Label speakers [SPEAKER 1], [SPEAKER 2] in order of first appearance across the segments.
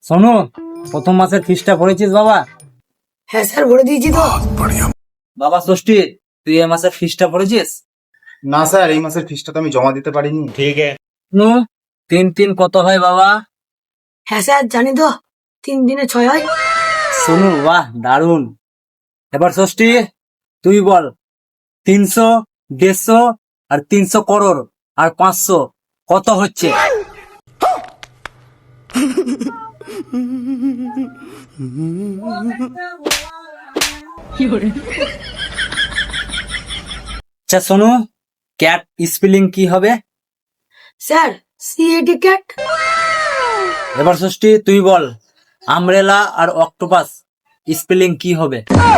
[SPEAKER 1] শোনো, প্রথম মাসের ফিসটা ভরেছিস বাবা?
[SPEAKER 2] হ্যাঁ স্যার ভরে দিয়েছি তো।
[SPEAKER 1] বাবা ষষ্ঠী, তুই এই মাসের ফিসটা ভরেছিস?
[SPEAKER 3] না স্যার, এই মাসের ফিসটা তো আমি জমা দিতে পারিনি।
[SPEAKER 1] নু, 3 3 কত হয় বাবা?
[SPEAKER 2] হ্যাঁ স্যার জানি তো, 3 দিনে 6 হয়।
[SPEAKER 1] শোনো, বাহ দারুন। এবার ষষ্ঠী তুই বল, 300, 150 আর 300 করোড় আর 500 কত হচ্ছে? আচ্ছা শোনো, ক্যাট স্পেলিং কি হবে?
[SPEAKER 2] Sir C A T cat.
[SPEAKER 1] এবার ষষ্ঠী তুই বল, আমব্রেলা আর অক্টোপাস স্পেলিং কি হবে?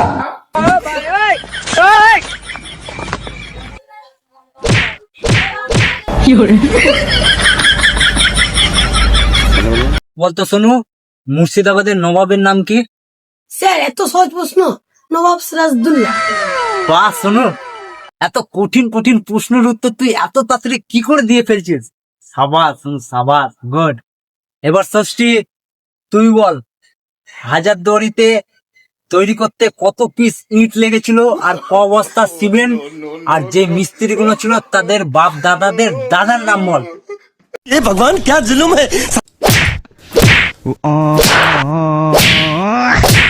[SPEAKER 1] বলতো শোনু, মুর্শিদাবাদের নবাবের নাম কি?
[SPEAKER 2] স্যার এত সহজ প্রশ্ন, নবাব সিরাজদৌল্লা।
[SPEAKER 1] বাহ শোনু, এত কঠিন কঠিন প্রশ্নের উত্তর তুই এত তাড়াতাড়ি কি করে দিয়ে ফেলছিস? সাবাস শোনু, সাবাস, গুড। এবার ষষ্ঠী তুই বল, হাজারদুয়ারিতে তৈরি করতে কত পিস ইট লেগেছিল আর ক বস্তা সিমেন্ট, আর যে মিস্ত্রি গুলো ছিল তাদের বাপ দাদাদের দাদার নাম বল।
[SPEAKER 4] ये भगवान क्या जुल्म है।